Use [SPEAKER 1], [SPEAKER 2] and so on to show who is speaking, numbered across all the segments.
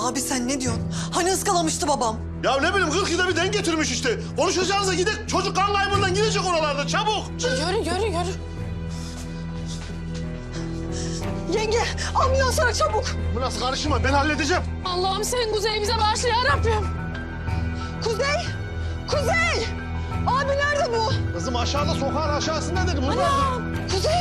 [SPEAKER 1] Abi sen ne diyorsun? Hani ıskalamıştı babam?
[SPEAKER 2] Ya ne bileyim 40 yılda bir denk getirmiş işte. Konuşacağınıza gidin çocuk kan kaybından gidecek oralarda çabuk.
[SPEAKER 3] Yürü.
[SPEAKER 1] Yenge ambulans ara çabuk.
[SPEAKER 2] Bu nasıl karışma ben halledeceğim.
[SPEAKER 3] Allah'ım sen Kuzey'i bize bağışla ya Rabbim.
[SPEAKER 1] Kuzey! Abi nerede bu?
[SPEAKER 2] Kızım aşağıda sokağın aşağısında dedi buralarda.
[SPEAKER 1] Kuzey!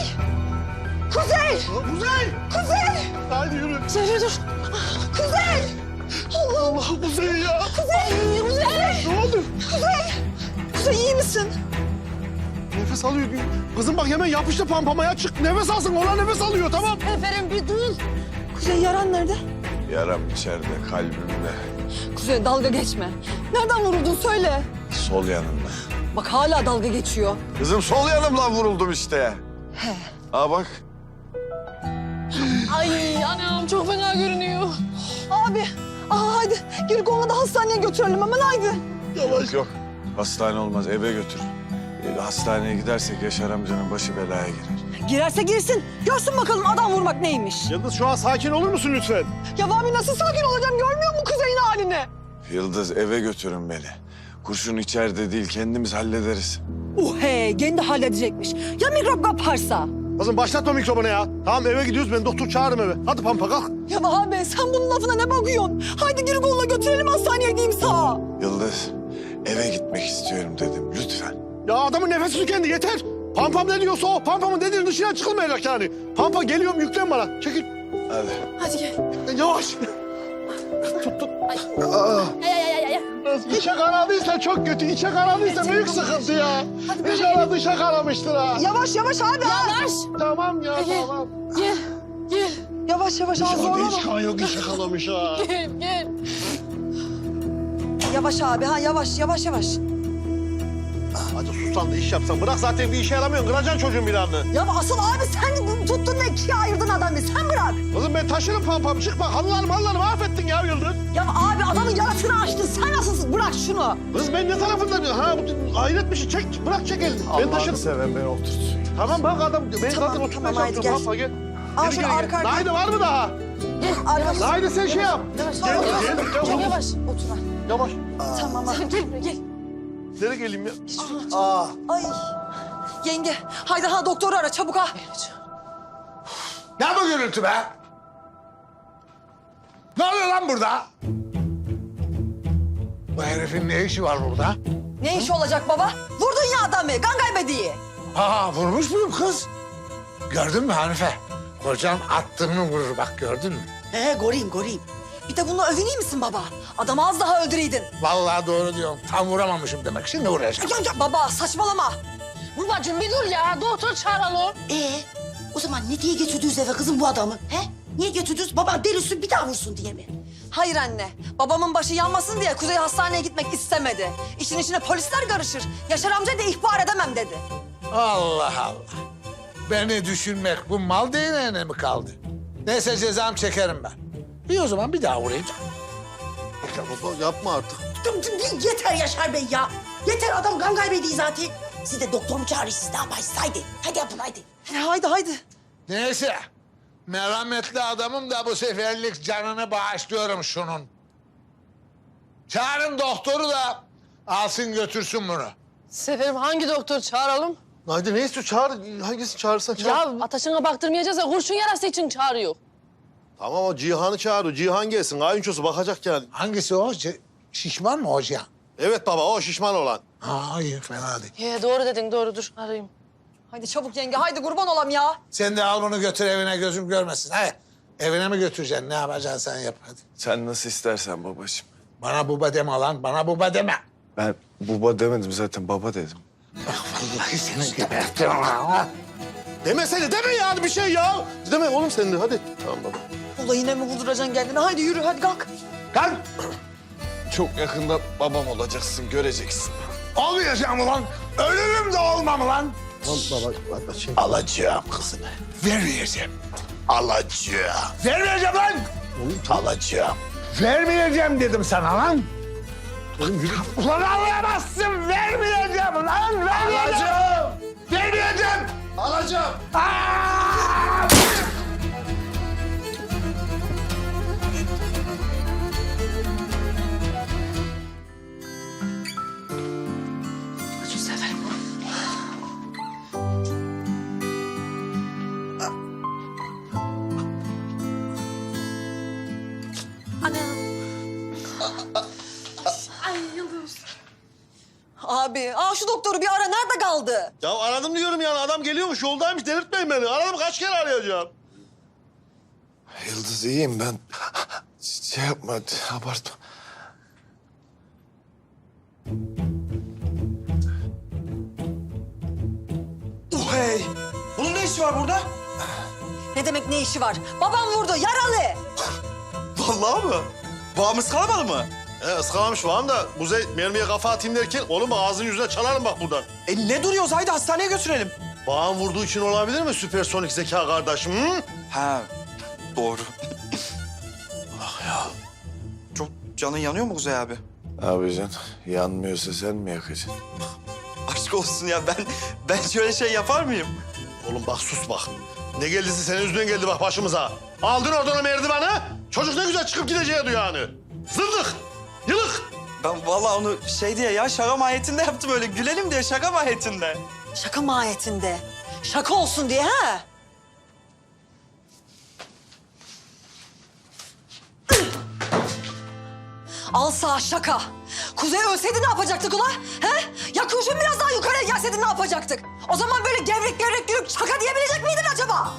[SPEAKER 2] Kuzey! Haydi yürü.
[SPEAKER 3] Zehra dur.
[SPEAKER 1] Kuzey!
[SPEAKER 2] Allah Kuzey ya.
[SPEAKER 1] Kuzey!
[SPEAKER 2] Ne oldu?
[SPEAKER 1] Kuzey iyi misin?
[SPEAKER 2] Nefes alıyor. Kızım bak hemen yapıştı pampamaya çık. Nefes alsın ona nefes alıyor tamam.
[SPEAKER 3] Seferim bir dur.
[SPEAKER 1] Kuzey yaran nerede?
[SPEAKER 4] Yaram içeride, kalbimde,
[SPEAKER 1] Kuzey dalga geçme. Nereden vuruldun söyle.
[SPEAKER 4] sol yanımda.
[SPEAKER 1] Bak hala dalga geçiyor.
[SPEAKER 4] Kızım sol yanımdan vuruldum işte.
[SPEAKER 1] He.
[SPEAKER 4] Aa bak.
[SPEAKER 3] Ay anam çok fena görünüyor.
[SPEAKER 1] Abi hadi geri konuda hastaneye götürelim hemen haydi.
[SPEAKER 4] Yavaş. Yok, hastane olmaz, eve götür. Hastaneye gidersek Yaşar amcanın başı belaya girer.
[SPEAKER 1] Girerse girsin. Görsün bakalım adam vurmak neymiş.
[SPEAKER 2] Yıldız şu an sakin olur musun lütfen?
[SPEAKER 1] Ya abi nasıl sakin olacağım görmüyor musun Kuzey'in halini?
[SPEAKER 4] Yıldız eve götürün beni. Kurşun içeride değil, kendimiz hallederiz.
[SPEAKER 1] Kendi halledecekmiş. Ya mikrop kaparsa?
[SPEAKER 2] Kızım başlatma mikrofonu ya. Tamam eve gidiyoruz ben doktor çağırırım eve. Hadi pampa kalk.
[SPEAKER 1] Ya abi sen bunun lafına ne bakıyorsun? Haydi geri kolla götürelim hastaneye diyeyim sağa.
[SPEAKER 4] Yıldız, eve gitmek istiyorum dedim, lütfen.
[SPEAKER 2] Ya adamın nefesi tükendi yeter. Pampam ne diyorsa o. Pampamın dediğinin dışına çıkılmayacak yani. Pampa geliyorum yüklen bana. Çekil.
[SPEAKER 4] Hadi.
[SPEAKER 3] Hadi gel.
[SPEAKER 2] Yavaş. Tut.
[SPEAKER 3] Ay.
[SPEAKER 2] İçe kanadıysa çok kötü. İçe kanadıysa büyük sıkıntı ya. İnşallah dışa kanamıştır ha.
[SPEAKER 1] Yavaş abi.
[SPEAKER 3] Yavaş.
[SPEAKER 2] Tamam ya
[SPEAKER 3] Gel.
[SPEAKER 2] tamam.
[SPEAKER 3] Gel.
[SPEAKER 1] Yavaş ha
[SPEAKER 2] İnşallah
[SPEAKER 1] zorlama.
[SPEAKER 2] hiç kan yok içe kanamış ha.
[SPEAKER 3] Gel.
[SPEAKER 1] Yavaş abi yavaş.
[SPEAKER 2] Hadi sussan da iş yapsan. Bırak zaten bir işe yaramıyorsun. Kıracaksın çocuğun bir anını.
[SPEAKER 1] Ya asıl abi sen tuttun da ikiye ayırdın adamı. Sen bırak.
[SPEAKER 2] Kızım ben taşırım pampam. Çık bak halılarımı mahvettin ya Yıldız.
[SPEAKER 1] Ya abi adamın yarasını açtın. Sen nasılsın? Bırak şunu.
[SPEAKER 2] Kız ben ne tarafında? Ha bu hayret bir şey. Çek bırak çek elini. Ben taşırım.
[SPEAKER 4] seven beni oturtsun.
[SPEAKER 2] Tamam bak adam. Ben
[SPEAKER 1] Tamam,
[SPEAKER 2] zaten oturmaya
[SPEAKER 1] tamam, haydi
[SPEAKER 2] çalışıyorum.
[SPEAKER 1] gel.
[SPEAKER 2] Pampa gel.
[SPEAKER 1] Al
[SPEAKER 2] Geri
[SPEAKER 1] şunu
[SPEAKER 2] gel, gel.
[SPEAKER 1] arka arkaya.
[SPEAKER 2] Haydi var mı daha?
[SPEAKER 1] Arkadaşlar.
[SPEAKER 2] Haydi sen şey yap.
[SPEAKER 3] Çok yavaş.
[SPEAKER 1] Otur ha.
[SPEAKER 2] Yavaş.
[SPEAKER 1] Tamam abi.
[SPEAKER 3] Gel.
[SPEAKER 2] Nereye geleyim ya?
[SPEAKER 1] Ay. Yenge haydi doktoru ara çabuk ha.
[SPEAKER 5] Ne bu gürültü be? Ne oluyor lan burada? Bu herifin ne işi var burada?
[SPEAKER 1] Ne işi olacak baba? Vurdun ya adamı. Kan kaybediği.
[SPEAKER 5] Aa vurmuş muyum kız? Gördün mü Hanife? Kocan attığını vurur bak gördün mü?
[SPEAKER 1] Goreyim. Bir de bununla övüneyim misin baba? Adamı az daha öldüreydin.
[SPEAKER 5] Vallahi doğru diyorum. Tam vuramamışım demek. Şimdi vuracağım.
[SPEAKER 1] Ya baba saçmalama.
[SPEAKER 3] Babacığım bir dur ya. Doktor çağıralım.
[SPEAKER 6] O zaman ne diye götürdünüz eve kızım bu adamı? He? Niye götürdünüz? Baban delirsin bir daha vursun diye mi?
[SPEAKER 1] Hayır anne. Babamın başı yanmasın diye Kuzey hastaneye gitmek istemedi. İşin içine polisler karışır. Yaşar amca da ihbar edemem dedi.
[SPEAKER 5] Allah Allah. Beni düşünmek bu mal değneğine mi kaldı? Neyse cezam çekerim ben. İyi o zaman bir daha vurayım.
[SPEAKER 2] Ya baba yapma artık.
[SPEAKER 6] Yeter Yaşar Bey ya. Yeter adam kan kaybediyor zaten. Siz de doktor mu çağırır siz ne yaparsınız? Haydi. Hadi yapın haydi.
[SPEAKER 1] Haydi.
[SPEAKER 5] Neyse. Merhametli adamım da bu seferlik canını bağışlıyorum şunun. Çağırın doktoru da alsın götürsün bunu.
[SPEAKER 3] Seferim hangi doktor çağıralım?
[SPEAKER 2] Haydi neyse çağır. Hangisini çağırırsan çağır.
[SPEAKER 3] Ya ataşına baktırmayacağız ya kurşun yarası için çağırıyor.
[SPEAKER 2] Tamam o Cihan'ı çağır. O Cihan gelsin. Kayınçosu bakacak yani.
[SPEAKER 5] Hangisi o? Şişman mı o Cihan?
[SPEAKER 2] Evet baba o şişman olan.
[SPEAKER 5] Ha iyi fena değil.
[SPEAKER 3] Doğru dedin doğru dur arayayım.
[SPEAKER 1] Haydi çabuk yenge. Haydi kurban olam ya.
[SPEAKER 5] Sen de al bunu götür evine gözüm görmesin. Hadi evine mi götüreceksin? Ne yapacaksın sen yap hadi.
[SPEAKER 4] Sen nasıl istersen babacığım.
[SPEAKER 5] Bana baba deme lan. Bana baba deme.
[SPEAKER 4] Ben baba demedim zaten, baba dedim.
[SPEAKER 5] Vallahi seni gebertirim ha.
[SPEAKER 2] Demesene deme yani bir şey ya. Deme oğlum sen de hadi. Tamam baba.
[SPEAKER 1] Ula yine mi vurduracaksın kendini? Haydi yürü hadi kalk.
[SPEAKER 5] Kalk.
[SPEAKER 4] Çok yakında babam olacaksın, göreceksin.
[SPEAKER 5] Olmayacağım ulan. Ölürüm de olmam lan.
[SPEAKER 2] Tamam baba. Hadi şey.
[SPEAKER 5] Alacağım kızını. Vermeyeceğim. Alacağım. Vermeyeceğim lan. Alacağım. Vermeyeceğim dedim sana lan.
[SPEAKER 2] Oğlum yürü.
[SPEAKER 5] Ulan alamazsın. Vermeyeceğim lan. Vermeyeceğim. Vermeyeceğim.
[SPEAKER 2] Alacağım.
[SPEAKER 5] Aa!
[SPEAKER 1] Abi, şu doktoru bir ara, nerede kaldı?
[SPEAKER 2] Ya aradım diyorum yani, adam geliyormuş, yoldaymış, delirtmeyin beni. Aradım, kaç kere arayacağım?
[SPEAKER 4] Yıldız iyiyim ben. Şey yapma, abartma.
[SPEAKER 7] Hey! Bunun ne işi var burada?
[SPEAKER 1] Ne demek ne işi var? Babam vurdu, yaralı.
[SPEAKER 7] Vallahi mı? Bağımız kalmadı mı?
[SPEAKER 2] Iskalamış falan da Kuzey mermiye kafa atayım derken oğlum ağzının yüzüne çalarım bak buradan.
[SPEAKER 7] Ne duruyoruz? Haydi hastaneye götürelim.
[SPEAKER 2] Bağın vurduğu için olabilir mi süpersonik zeka kardeşim? Hı?
[SPEAKER 7] Ha, doğru. Ah ya. Çok canın yanıyor mu Kuzey abi?
[SPEAKER 4] Abi can, yanmıyorsa sen mi yakacaksın?
[SPEAKER 7] Aşk olsun ya, ben şöyle şey yapar mıyım?
[SPEAKER 2] Oğlum bak sus bak. Ne geldiyse senin yüzünden geldi bak başımıza. Aldın oradan o merdiveni. Çocuk ne güzel çıkıp gideceğiydi yani. Zındık, yılık.
[SPEAKER 7] Ben vallahi onu şey diye ya, şaka mahiyetinde yaptım, öyle gülelim diye, şaka mahiyetinde.
[SPEAKER 1] Şaka mahiyetinde. Şaka olsun diye ha? Al sağ şaka. Kuzey ölseydi ne yapacaktık ula? He? Ya kurşun biraz daha yukarıya gelseydi ne yapacaktık? O zaman böyle gevrek gevrek yürüp şaka diyebilecek miydin acaba?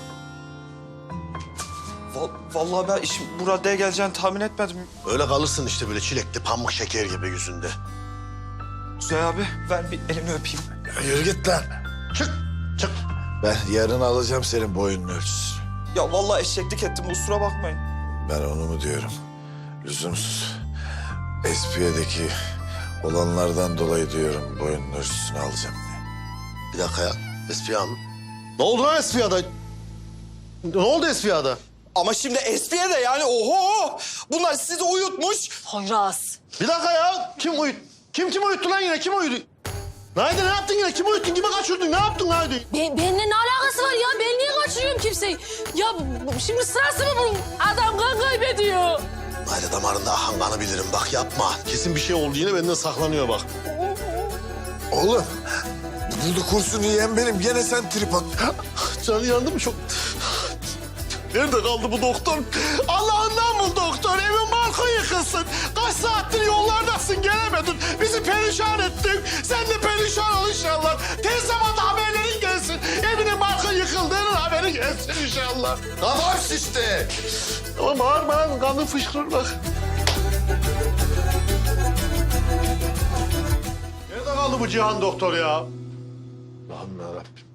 [SPEAKER 7] Vallahi ben işin bu raddeye geleceğini tahmin etmedim.
[SPEAKER 2] Öyle kalırsın işte böyle çilekli pamuk şeker gibi yüzünde.
[SPEAKER 7] Kuzey abi, ver bir elini öpeyim.
[SPEAKER 4] Yürü git lan.
[SPEAKER 2] Çık, çık.
[SPEAKER 4] Ben yarın alacağım senin boyunun ölçüsünü.
[SPEAKER 7] Ya vallahi eşeklik ettim, kusura bakmayın.
[SPEAKER 4] Ben onu mu diyorum? Lüzumsuz. Espiye'deki olanlardan dolayı diyorum boyunun ölçüsünü alacağım diye.
[SPEAKER 2] Bir dakika ya. Esfiya mı? Ne oldu lan Esfiya'da? Ne oldu Esfiya'da?
[SPEAKER 7] Ama şimdi espiye de yani oho! Bunlar sizi uyutmuş.
[SPEAKER 1] Poyraz.
[SPEAKER 2] Bir dakika ya. Kim uyuttu lan yine? Kim uyudu? Naydi ne yaptın yine? Kim uyuttun? Kime kaçırdın? Ne yaptın Naydi?
[SPEAKER 3] Benimle ne alakası var ya? Ben niye kaçırıyorum kimseyi? Ya şimdi sırası mı bunun? Adam kan kaybediyor.
[SPEAKER 2] Naydi damarında akan kanı bilirim. Bak yapma. Kesin bir şey oldu yine benden saklanıyor bak.
[SPEAKER 4] Oğlum, burada kurşunu yiyen benim. Gene sen trip at.
[SPEAKER 2] Canı yandı mı çok? Nerede kaldı bu doktor? Allah'ından bul doktor. Evin balkon yıkılsın. Kaç saattir yollardasın gelemedin. Bizi perişan ettin. Sen de perişan ol inşallah. Tez zamanda haberlerin gelsin. Evinin balkon yıkıldığının haberi gelsin inşallah.
[SPEAKER 4] Kafam şişti.
[SPEAKER 2] Ama bağırma lan. Kanın fışkırır bak. Nerede kaldı bu Cihan doktor ya? Allah'ım yarabbim.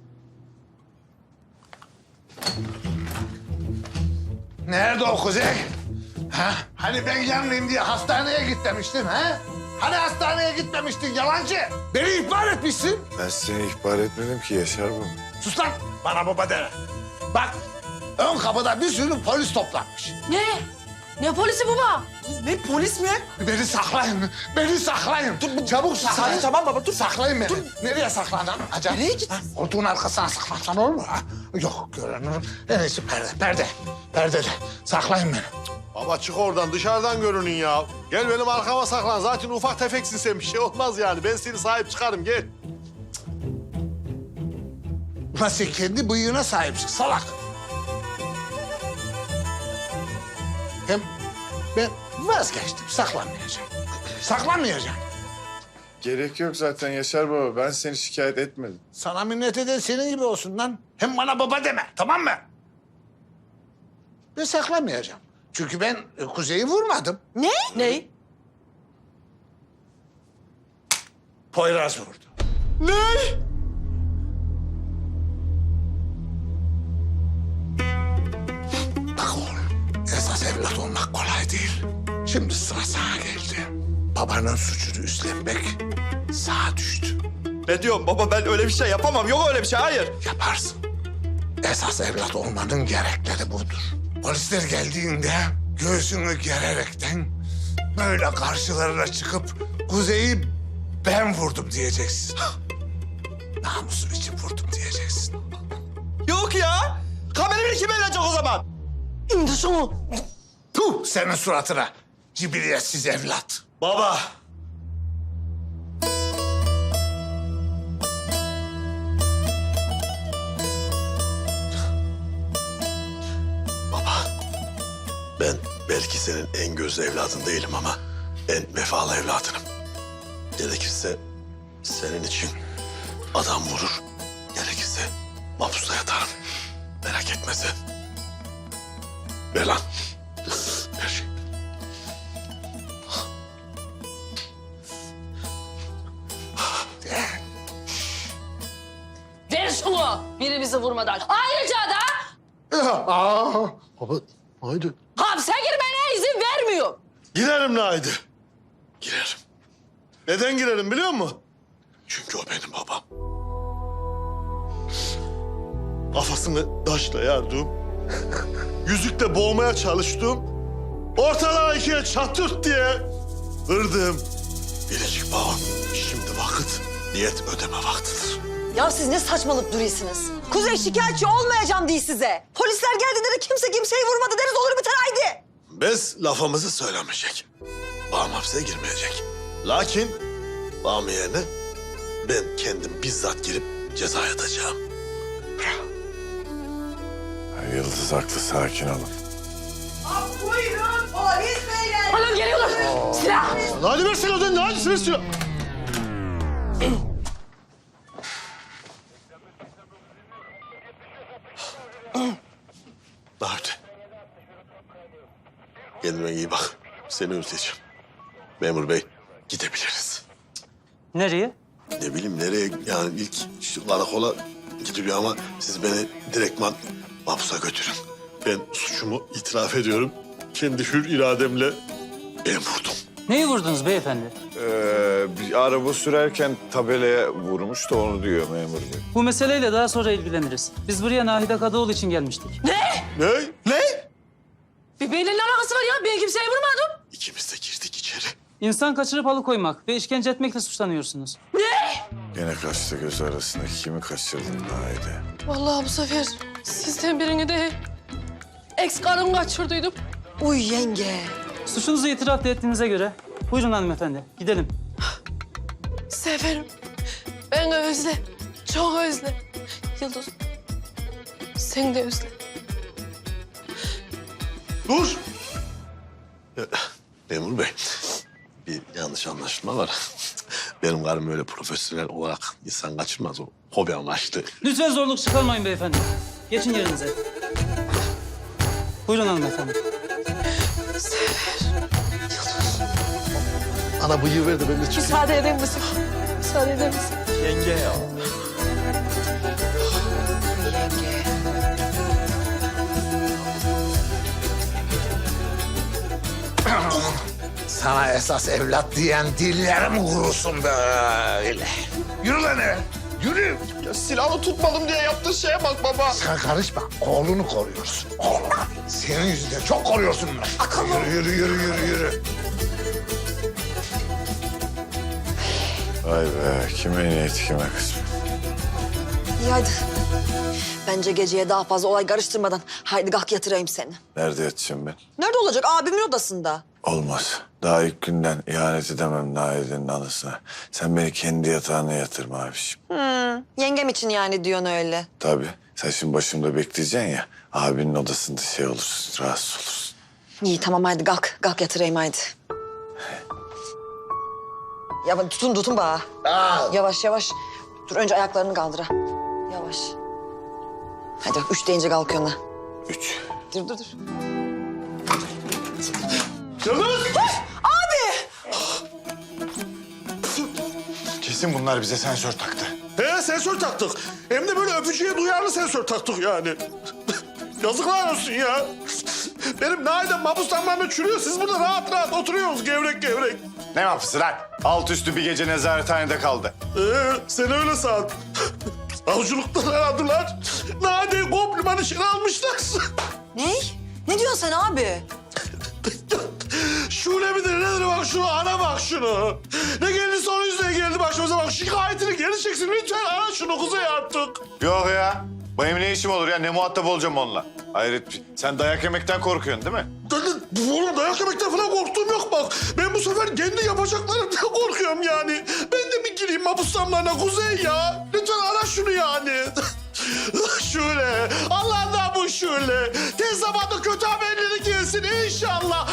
[SPEAKER 5] Nerede o Kuzey? Ha? Hani ben yanmayayım diye hastaneye git demiştin ha? Hani hastaneye gitmemiştin yalancı? Beni ihbar etmişsin.
[SPEAKER 4] Ben seni ihbar etmedim ki Yaşar bu.
[SPEAKER 5] Sus lan, bana baba deme. Bak, ön kapıda bir sürü polis toplanmış.
[SPEAKER 3] Ne? Ne polisi baba?
[SPEAKER 7] Ne polis mi?
[SPEAKER 5] Beni saklayın, beni saklayın. Dur, çabuk saklayın.
[SPEAKER 7] Sakin, tamam baba, dur.
[SPEAKER 5] Saklayın beni. Nereye saklandın? Acaba?
[SPEAKER 7] Nereye git?
[SPEAKER 5] Ha? Koltuğun arkasına saklansan olur mu? Ha? Yok, görünür. En iyisi perdede. Saklayın beni.
[SPEAKER 2] Baba çık oradan, dışarıdan görünün ya. Gel benim arkama saklan. Zaten ufak tefeksin sen, bir şey olmaz yani. Ben seni sahip çıkarım, gel.
[SPEAKER 5] Ulan sen kendi bıyığına sahipsin, salak. Hem ben vazgeçtim, saklanmayacağım. Saklanmayacağım.
[SPEAKER 4] Gerek yok zaten Yaşar baba. Ben seni şikayet etmedim.
[SPEAKER 5] Sana minnet eden senin gibi olsun lan. Hem bana baba deme, tamam mı? Ben saklanmayacağım. Çünkü ben Kuzey'i vurmadım.
[SPEAKER 1] Ne?
[SPEAKER 3] Ne?
[SPEAKER 5] Poyraz vurdu.
[SPEAKER 7] Ne?
[SPEAKER 5] Bak oğlum, esas evlat olmak kolay değil. Şimdi sıra sana geldi. Babanın suçunu üstlenmek sağa düştü.
[SPEAKER 7] Ne diyorum baba, ben öyle bir şey yapamam. Yok öyle bir şey, hayır.
[SPEAKER 5] Yaparsın. Esas evlat olmanın gerekleri budur. Polisler geldiğinde göğsünü gererekten böyle karşılarına çıkıp Kuzey'i ben vurdum diyeceksin. Namusum için vurdum diyeceksin.
[SPEAKER 7] Yok ya. Kamerayı kim verecek o zaman?
[SPEAKER 1] İndir şunu.
[SPEAKER 5] Puh senin suratına cibiliyetsiz evlat.
[SPEAKER 7] Baba.
[SPEAKER 2] Ben Belki senin en gözlü evladın değilim ama en vefalı evladınım. Gerekirse senin için adam vurur, gerekirse mahpusta yatarım. Merak etme sen. Ver lan. Ver.
[SPEAKER 3] Ver şunu birimizi vurmadan. Ayrıca da
[SPEAKER 2] Baba, haydi.
[SPEAKER 3] hapse girmene izin vermiyor.
[SPEAKER 2] Girerim Naide. Girerim. Neden girerim biliyor musun? Çünkü o benim babam. Kafasını taşla yardım. Yüzükle boğmaya çalıştım. Ortalığı ikiye çatırt diye kırdım. Biricik babam. Şimdi vakit niyet ödeme vaktidir.
[SPEAKER 1] Ya siz ne saçmalık duruyorsunuz? Kuzey şikayetçi olmayacağım diye size. Polisler geldiğinde de kimse kimseyi vurmadı deriz olur biter haydi.
[SPEAKER 2] Biz lafımızı söylemeyecek. Babam hapse girmeyecek. Lakin babam yerine ben kendim bizzat girip ceza yatacağım.
[SPEAKER 4] Yıldız haklı, sakin olun.
[SPEAKER 1] Buyurun polis beyler.
[SPEAKER 3] Anam geliyorlar. Silah.
[SPEAKER 2] Hadi versin o zaman, hadi ver silah. Daha öte. Kendime iyi bak. Seni özleyeceğim. Memur bey, gidebiliriz.
[SPEAKER 8] Nereye?
[SPEAKER 2] Ne bileyim nereye, yani ilk şu karakola gidiyor ama siz beni direktman mahpusa götürün. Ben suçumu itiraf ediyorum. Kendi hür irademle ben vurdum.
[SPEAKER 8] Neyi vurdunuz beyefendi?
[SPEAKER 4] Bir araba sürerken tabelaya vurmuş da onu diyor memur bey.
[SPEAKER 8] Bu meseleyle daha sonra ilgileniriz. Biz buraya Nahide Kadıoğlu için gelmiştik.
[SPEAKER 3] Ne?
[SPEAKER 2] Ne? Ne?
[SPEAKER 3] Bir benimle ne alakası var ya? Ben kimseye vurmadım.
[SPEAKER 2] İkimiz de girdik içeri.
[SPEAKER 8] İnsan kaçırıp alıkoymak ve işkence etmekle suçlanıyorsunuz.
[SPEAKER 4] Gene kaçtı göz arasında. Kimi kaçırdın Naide?
[SPEAKER 3] Vallahi bu sefer sizden birini de ex karım kaçırdıydım.
[SPEAKER 1] Uy yenge.
[SPEAKER 8] Suçunuzu itiraf da ettiğinize göre buyurun hanımefendi gidelim.
[SPEAKER 3] Seferim. Ben özle. Çok özle. Yıldız. Sen de özle.
[SPEAKER 2] Dur! Memur bey, bir yanlış anlaşılma var. Benim karım öyle profesyonel olarak insan kaçırmaz, o hobi amaçlı.
[SPEAKER 8] Lütfen zorluk çıkarmayın beyefendi. Geçin yerinize. Buyurun hanımefendi.
[SPEAKER 2] Ana bıyığı ver de ben de çıkayım.
[SPEAKER 3] Müsaade eder misin? Müsaade eder misin?
[SPEAKER 7] Yenge ya.
[SPEAKER 5] Sana esas evlat diyen dillerim kurusun böyle. Yürü lan eve. Yürü.
[SPEAKER 2] Ya silahı tutmadım diye yaptığı şeye bak baba.
[SPEAKER 5] Sen karışma. Oğlunu koruyorsun. Oğlunu. Senin yüzünden çok koruyorsun bunu. Yürü.
[SPEAKER 4] Vay be, kime niyet kime kısmet.
[SPEAKER 1] İyi haydi. Bence geceye daha fazla olay karıştırmadan haydi kalk yatırayım seni.
[SPEAKER 4] Nerede yatacağım ben?
[SPEAKER 1] Nerede olacak? Abimin odasında.
[SPEAKER 4] Olmaz. Daha ilk günden ihanet edemem Naide'nin anısına. Sen beni kendi yatağına yatırma abiciğim.
[SPEAKER 1] Yengem için yani diyorsun öyle.
[SPEAKER 4] Tabii. Sen şimdi başımda bekleyeceksin ya. Abinin odasında şey olursun, rahatsız olursun.
[SPEAKER 1] İyi tamam haydi kalk. Kalk yatırayım haydi. Ya bak, tutun bana. Yavaş yavaş. Dur önce ayaklarını kaldır ha. Yavaş. Hadi bak 3 deyince kalkıyorsun ha.
[SPEAKER 4] 3.
[SPEAKER 1] Dur.
[SPEAKER 2] Yıldız!
[SPEAKER 5] Kesin bunlar bize sensör taktı.
[SPEAKER 2] He sensör taktık. Hem de böyle öpücüğe duyarlı sensör taktık yani. Yazıklar olsun ya. Benim Naide mahpuslanmamda çürüyor. Siz burada rahat rahat oturuyorsunuz gevrek.
[SPEAKER 9] Ne mahpusu lan? Alt üstü bir gece nezarethanede kaldı.
[SPEAKER 2] Sen öyle san. Avcılıktan aradılar. Naide'yi kompliman işine almışlar.
[SPEAKER 1] Ne? Ne diyorsun sen abi?
[SPEAKER 2] Şule midir nedir bak şunu, ara bak şunu. Ne geldiyse onun yüzüne geldi başımıza bak. Şikayetini geri çeksin lütfen, ara şunu Kuzey artık.
[SPEAKER 9] Yok ya. Benim ne işim olur ya? Ne muhatap olacağım onunla? Hayret, sen dayak yemekten korkuyorsun değil mi?
[SPEAKER 2] Oğlum dayak yemekten falan korktuğum yok bak. Ben bu sefer kendi yapacaklarımdan korkuyorum yani. Ben de mi gireyim mahpuslanmalarına Kuzey ya? Lütfen ara şunu yani. Şöyle, Allah'ından bu şöyle. Tez zamanda kötü haberleri gelsin inşallah.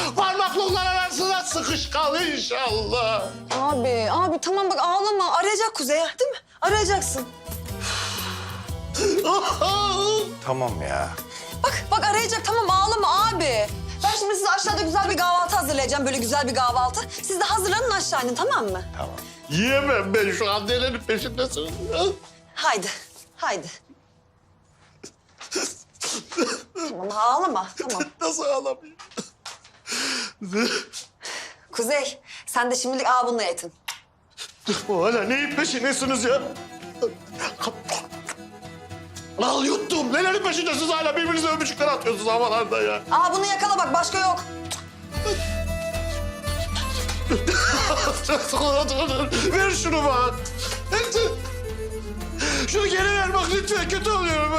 [SPEAKER 2] kış kal inşallah.
[SPEAKER 1] Abi tamam bak ağlama. Arayacak Kuzey değil mi? Arayacaksın.
[SPEAKER 4] Tamam ya.
[SPEAKER 1] Bak arayacak tamam ağlama abi. Ben şimdi size aşağıda güzel bir kahvaltı hazırlayacağım. Böyle güzel bir kahvaltı. Siz de hazırlanın aşağı inin tamam mı?
[SPEAKER 4] Tamam.
[SPEAKER 2] Yiyemem ben şu an nerenin peşindesin.
[SPEAKER 1] Haydi. Tamam ağlama tamam.
[SPEAKER 2] Nasıl ağlamayayım?
[SPEAKER 1] Kuzey sen de şimdilik bununla yetin.
[SPEAKER 2] Hala neyin peşindesiniz ya? Al yuttum. Nelerin peşindesiniz hala birbirinize öpücükler atıyorsunuz havalarda ya.
[SPEAKER 1] Bunu yakala bak başka yok.
[SPEAKER 2] Ver şunu bak. Şunu geri ver bak lütfen kötü oluyorum.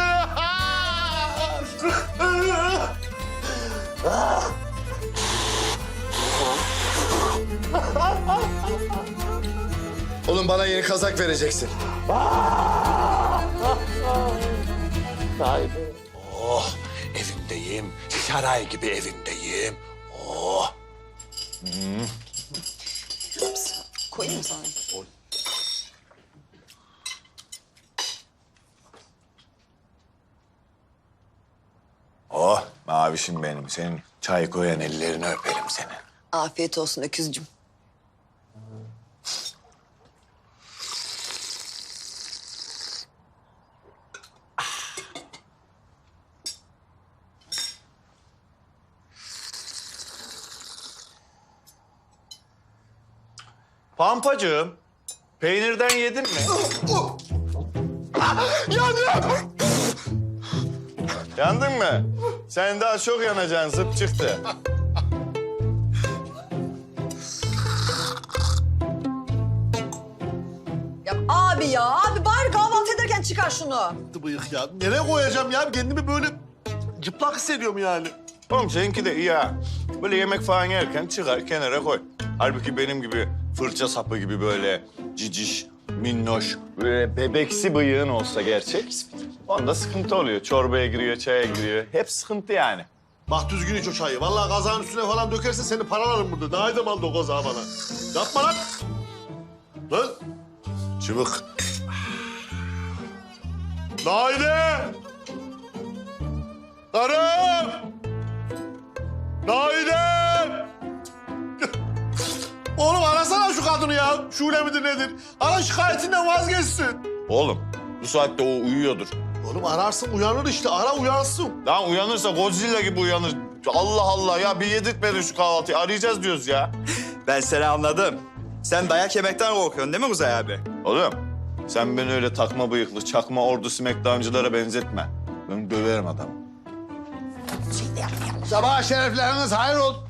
[SPEAKER 9] Oğlum bana yeni kazak vereceksin.
[SPEAKER 5] Oh, evimdeyim. Saray gibi evimdeyim. Oh.
[SPEAKER 1] Koyayım mı sana?
[SPEAKER 4] Oh mavişim benim. Senin çay koyan ellerini öperim senin.
[SPEAKER 1] Afiyet olsun öküzcüm.
[SPEAKER 9] Pampacığım, peynirden yedin mi?
[SPEAKER 2] Yandım.
[SPEAKER 9] Yandın mı? Sen daha çok yanacaksın, zıp çıktı.
[SPEAKER 1] Abi bari kahvaltı ederken çıkar şunu.
[SPEAKER 2] Bıyık ya. Nereye koyacağım ya? Kendimi böyle cıplak hissediyorum yani.
[SPEAKER 9] Oğlum seninki de iyi ha. Böyle yemek falan yerken çıkar kenara koy. Halbuki benim gibi fırça sapı gibi böyle ciciş, minnoş, böyle bebeksi bıyığın olsa gerçek. Onda sıkıntı oluyor. Çorbaya giriyor, çaya giriyor. Hep sıkıntı yani.
[SPEAKER 2] Bak düzgün iç o çayı. Vallahi kazağın üstüne falan dökersen seni paralarım burada. Daha iyi aldı o kazağı bana. Yapma lan. Lan.
[SPEAKER 9] Çıbık.
[SPEAKER 2] Naide! Karım! Naide! Oğlum arasana şu kadını ya. Şule midir nedir? Ara şikayetinden vazgeçsin.
[SPEAKER 9] Oğlum bu saatte o uyuyordur.
[SPEAKER 2] Oğlum ararsın uyanır işte. Ara uyansın.
[SPEAKER 9] Lan uyanırsa Godzilla gibi uyanır. Allah Allah ya bir yedirtmedin şu kahvaltıyı. Arayacağız diyoruz ya.
[SPEAKER 7] Ben seni anladım. Sen dayak yemekten korkuyorsun değil mi Kuzey abi?
[SPEAKER 9] Oğlum sen beni öyle takma bıyıklı, çakma ordu smackdown'cılara benzetme. Ben döverim adamı.
[SPEAKER 5] Sabah şerefleriniz hayır olsun.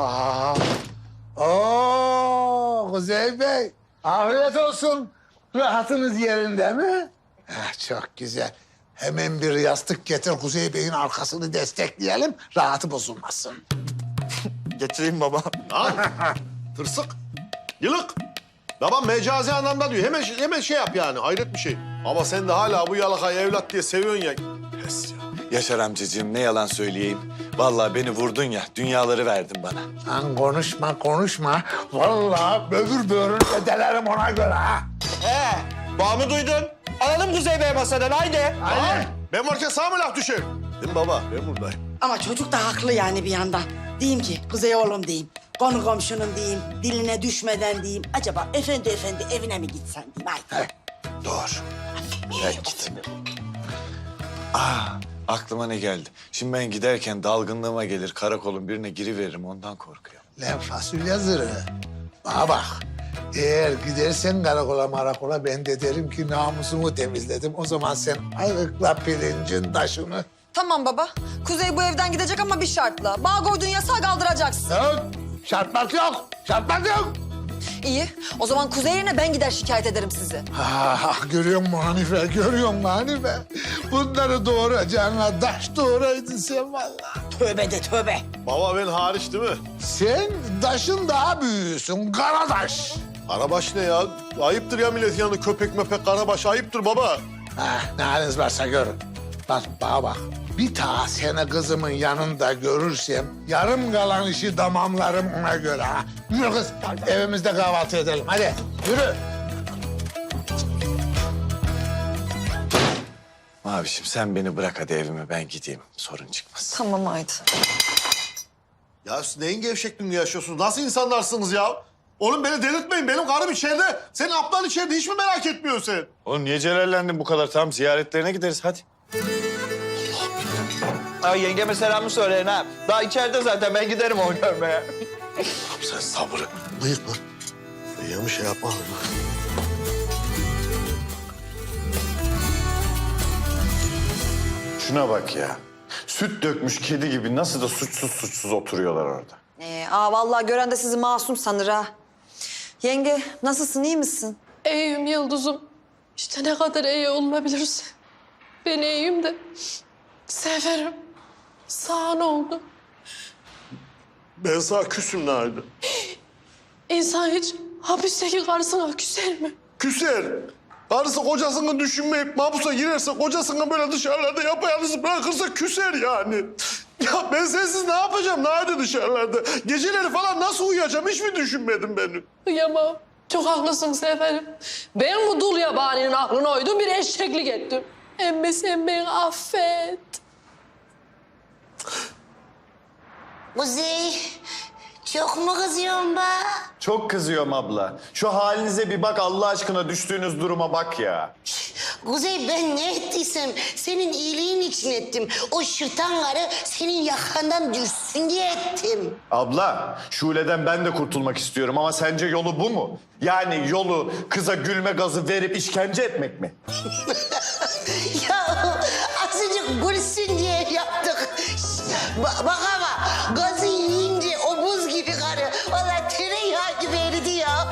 [SPEAKER 5] Oo, Kuzey Bey. Afiyet olsun. Rahatınız yerinde mi? Çok güzel. Hemen bir yastık getir Kuzey Bey'in arkasını destekleyelim. Rahatı bozulmasın.
[SPEAKER 7] Getireyim baba.
[SPEAKER 2] Lan tırsık, yılık. Babam mecazi anlamda diyor. Hemen şey yap yani. Hayret bir şey. Ama sen de hala bu yalakayı evlat diye seviyorsun ya. Pes ya.
[SPEAKER 4] Yaşar amcacığım ne yalan söyleyeyim. Vallahi beni vurdun ya, dünyaları verdin bana.
[SPEAKER 5] Lan konuşma. Vallahi böbür böğrünü delerim ona göre ha.
[SPEAKER 7] Bağımı duydun. Alalım Kuzey Bey masadan haydi.
[SPEAKER 5] Hadi.
[SPEAKER 2] Ben varken sağ mı laf düşer? Değil mi baba? Ben buradayım.
[SPEAKER 6] Ama çocuk da haklı yani bir yandan. Diyeyim ki Kuzey oğlum diyeyim. Konu komşunun diyeyim. Diline düşmeden diyeyim. Acaba efendi evine mi gitsen diyeyim. Haydi.
[SPEAKER 4] Doğru. Ben gittim. Aklıma ne geldi? Şimdi ben giderken dalgınlığıma gelir, karakolun birine giriveririm, ondan korkuyorum.
[SPEAKER 5] Lan fasulye zırhı. Bana bak. Eğer gidersen karakola ben de derim ki namusumu temizledim. O zaman sen ayıkla pirincin taşını.
[SPEAKER 1] Tamam baba. Kuzey bu evden gidecek ama bir şartla. Bağ koyduğun yasağı kaldıracaksın.
[SPEAKER 5] Yok. Şartmak yok.
[SPEAKER 1] İyi. O zaman Kuzey yerine ben gider şikayet ederim sizi.
[SPEAKER 5] Görüyor musun Hanife? Bunları doğuracağına taş doğuraydın sen vallahi.
[SPEAKER 6] Tövbe de tövbe.
[SPEAKER 2] Baba ben hariç değil mi?
[SPEAKER 5] Sen taşın daha büyüğüsün, karadaş.
[SPEAKER 2] Karabaş ne ya? Ayıptır ya milletin yanında köpek möpek karabaş. Ayıptır baba.
[SPEAKER 5] Ne haliniz varsa görün. Bak bana bak. Bir daha seni kızımın yanında görürsem yarım kalan işi tamamlarım ona göre ha. Yürü kız, evimizde kahvaltı edelim. Hadi yürü.
[SPEAKER 4] Mavişim sen beni bırak hadi evime ben gideyim. Sorun çıkmaz.
[SPEAKER 1] Tamam haydi.
[SPEAKER 2] Ya siz neyin gevşekliğini yaşıyorsunuz? Nasıl insanlarsınız ya? Oğlum beni delirtmeyin. Benim karım içeride. Senin ablan içeride. Hiç mi merak etmiyorsun sen?
[SPEAKER 9] Oğlum niye celallendin bu kadar? Tamam ziyaretlerine gideriz hadi.
[SPEAKER 7] Ay yengeme selamı söyleyin ha. Daha içeride zaten ben giderim onu görmeye.
[SPEAKER 4] Sen sabrı.
[SPEAKER 2] Bıyık mı? Bıyığı şey yapma.
[SPEAKER 9] Şuna bak ya. Süt dökmüş kedi gibi nasıl da suçsuz oturuyorlar orada.
[SPEAKER 1] Vallahi gören de sizi masum sanır ha. Yenge nasılsın, iyi misin?
[SPEAKER 3] İyiyim Yıldız'ım. İşte ne kadar iyi olabilirse. Ben iyiyim de. Severim. Sağ ne oldu?
[SPEAKER 2] Ben sana küsüm nerede?
[SPEAKER 3] İnsan hiç hapisteki karısına küser mi?
[SPEAKER 2] Küser. Karısı kocasını düşünmeyip mahpusa girerse, kocasını böyle dışarılarda yapayalnız bırakırsa küser yani. Ya ben sensiz ne yapacağım nerede dışarılarda? Geceleri falan nasıl uyuyacağım hiç mi düşünmedin beni?
[SPEAKER 3] Uyamam. Çok haklısın Seferim. Ben bu dul yabaninin aklına uydum, bir eşeklik ettim. Emme sen beni affet.
[SPEAKER 10] Kuzey, çok mu kızıyorsun be?
[SPEAKER 9] Çok kızıyorum abla. Şu halinize bir bak Allah aşkına düştüğünüz duruma bak ya.
[SPEAKER 10] Kuzey ben ne ettiysem senin iyiliğin için ettim. O şırtan karı senin yakandan düşsün diye ettim.
[SPEAKER 9] Abla, Şule'den ben de kurtulmak istiyorum ama sence yolu bu mu? Yani yolu kıza gülme gazı verip işkence etmek mi?
[SPEAKER 10] Ya azıcık gülsün diye yaptık. Bak ama gazı yiyince o buz gibi karı. Vallahi tereyağı gibi eridi ya.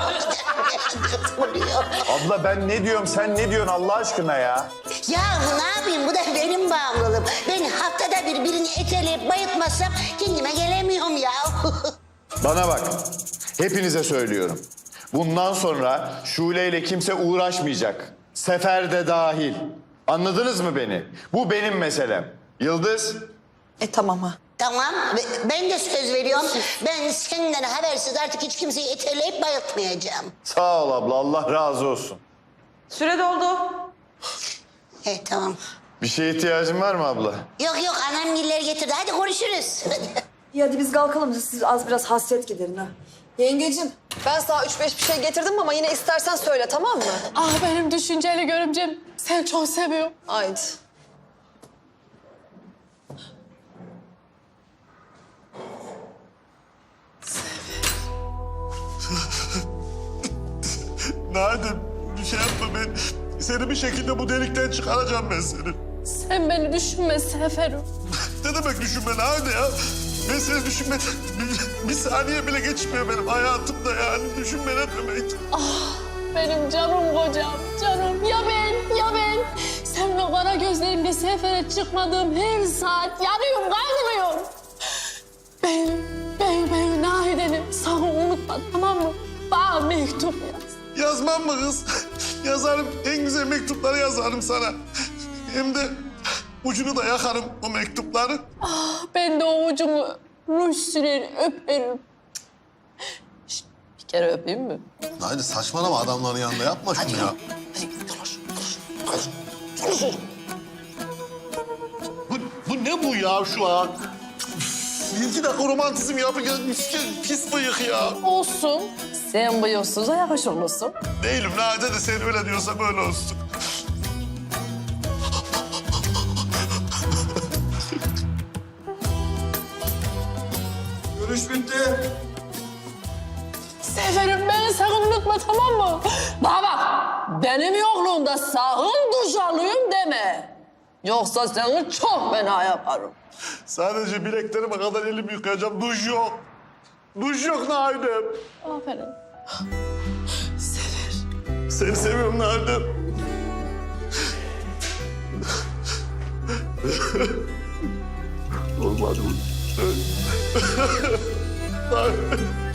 [SPEAKER 9] Abla ben ne diyorum sen ne diyorsun Allah aşkına ya?
[SPEAKER 10] Ya ne yapayım bu da benim bağımlılığım. Ben haftada bir birini eteleyip bayıltmazsam kendime gelemiyorum ya.
[SPEAKER 9] Bana bak, hepinize söylüyorum. Bundan sonra Şule ile kimse uğraşmayacak. Sefer de dahil. Anladınız mı beni? Bu benim meselem. Yıldız?
[SPEAKER 1] Tamam ha.
[SPEAKER 10] Tamam, ben de söz veriyorum. Ben senden habersiz artık hiç kimseyi eteleyip bayıltmayacağım.
[SPEAKER 9] Sağ ol abla, Allah razı olsun.
[SPEAKER 1] Süre doldu.
[SPEAKER 10] Tamam.
[SPEAKER 9] Bir şeye ihtiyacın var mı abla?
[SPEAKER 10] Yok annemgiller getirdi. Hadi konuşuruz.
[SPEAKER 1] İyi hadi biz kalkalım. Siz az biraz hasret giderin ha. Yengecim ben sana 3-5 bir şey getirdim ama yine istersen söyle tamam mı?
[SPEAKER 3] Ah benim düşünceli görümcem. Sen çok seviyorum.
[SPEAKER 1] Haydi.
[SPEAKER 2] Nadim bir şey yapma ben. Seni bir şekilde bu delikten çıkaracağım ben seni.
[SPEAKER 3] Sen beni düşünme Seferim.
[SPEAKER 2] Ne demek düşünme Nadim ya? Ben seni düşünmeden bir saniye bile geçmiyor benim hayatımda yani. Düşünme ne demek?
[SPEAKER 3] Benim canım kocam, canım. Ya ben? Sen ve kara gözlerimle sefere çıkmadığım her saat yanıyorum, kaygılıyorum. Ben Nahide'nim. Sakın unutma tamam mı? Bana mektup yaz.
[SPEAKER 2] Yazmam mı kız? Yazarım. En güzel mektupları yazarım sana. Hem de ucunu da yakarım o mektupları.
[SPEAKER 3] Ben de o ucumu ruj sürer, öperim. Şişt, bir kere öpeyim mi?
[SPEAKER 2] Haydi saçmalama adamların yanında yapma şunu ya. Bu ne bu ya şu an? Üf, 2 dakika romantizm yapacağız. Pis bıyık ya.
[SPEAKER 3] Olsun. Sen bıyıksıza yakışırlısın.
[SPEAKER 2] Değilim Nade de sen öyle diyorsa böyle olsun.
[SPEAKER 7] Görüş bitti.
[SPEAKER 3] Seferim beni sakın unutma tamam mı? Bana bak benim yokluğumda sakın duş alayım deme. Yoksa seni çok fena yaparım.
[SPEAKER 2] Sadece bileklerime kadar elimi yıkayacağım. Duş yok. Duş yok Nade.
[SPEAKER 3] Aferin.
[SPEAKER 2] Seni seviyorum Nade. Olmadı bu.